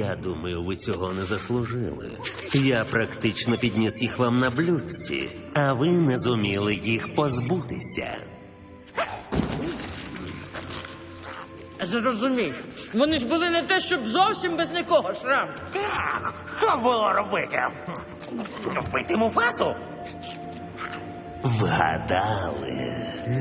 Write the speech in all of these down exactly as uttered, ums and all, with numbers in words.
Я думаю, ви цього не заслужили. Я практично підніс їх вам на блюдці, а ви не зуміли їх позбутися. Зрозумів. Вони ж були не те, щоб зовсім без нікого, Шрам. Так, що було робити? Вбити Муфасу? Вгадали.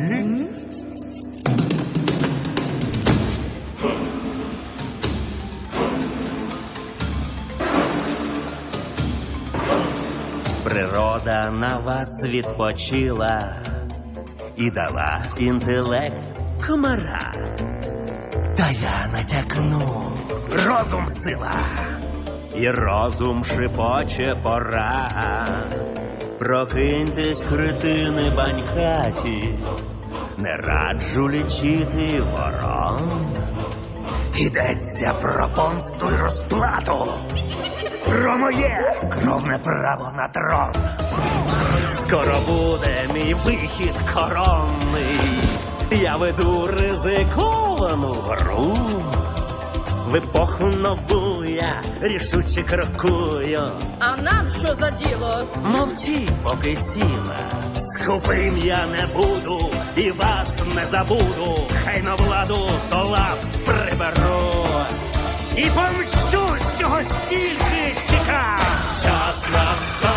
Природа на вас відпочила і дала інтелект комара. Та я натякну. Розум сила. І розум шипоче пора. Прокиньтесь, кретини банькаті. Не раджу лічити ворон. Йдеться про помсту й розплату. Про моє кровне право на трон. Скоро буде мій вихід коронний. Я веду ризиковану гру. В епоху нову я рішуче крокую. А нам що за діло? Мовчи, поки ціла. Скупим я не буду і вас не забуду. Хай на владу до лап приберу. І помщу, чого стільки чекав. Час настав.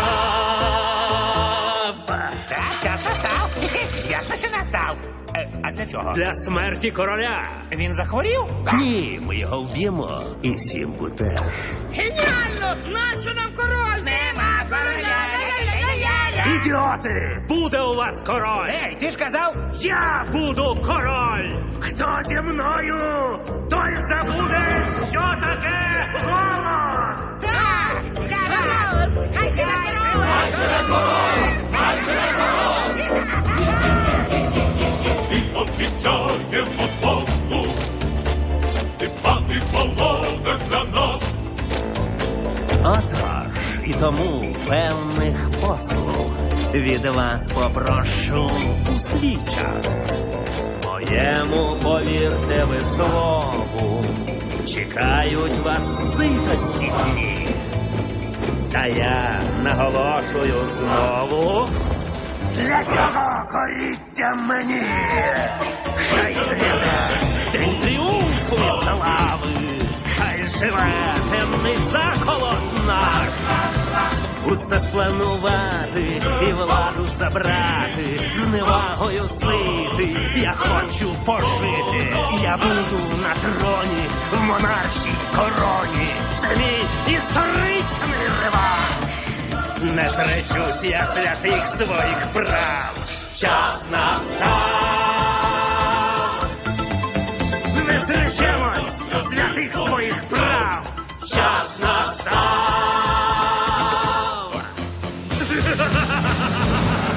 Так, час настав. Ясно, що настав. Е, а для чого? Для смерті короля. Він захворів? Ні, ми його вб'ємо. І Сімбу теж. Геніально! Нащо нам король? Нема короля! Ідіоти! Буде у вас король! Ей, ти ж казав? Я буду король! Хто зі мною, той забуде, що таке голод! Так! Гаразд! Хай живе король! Хай живе король! Хай живе король! Світ обіцяє фотосту, дбати володар для нас. Отож, і тому певних послуг від вас попрошу у свій час. Моєму, повірте ви слову, чекають вас ситості дні. Та я наголошую знову, для цього коріться мені. Хай гряде день тріумфу і слави, хай живе темний заколот наш. Усе спланувати і владу забрати, зневагою сити, я хочу пожити. Я буду на троні, в монаршій короні. Це мій історичний реванш. Не зречусь я святих своїх прав. Час настав. Не зречемось святих своїх прав. Час настав.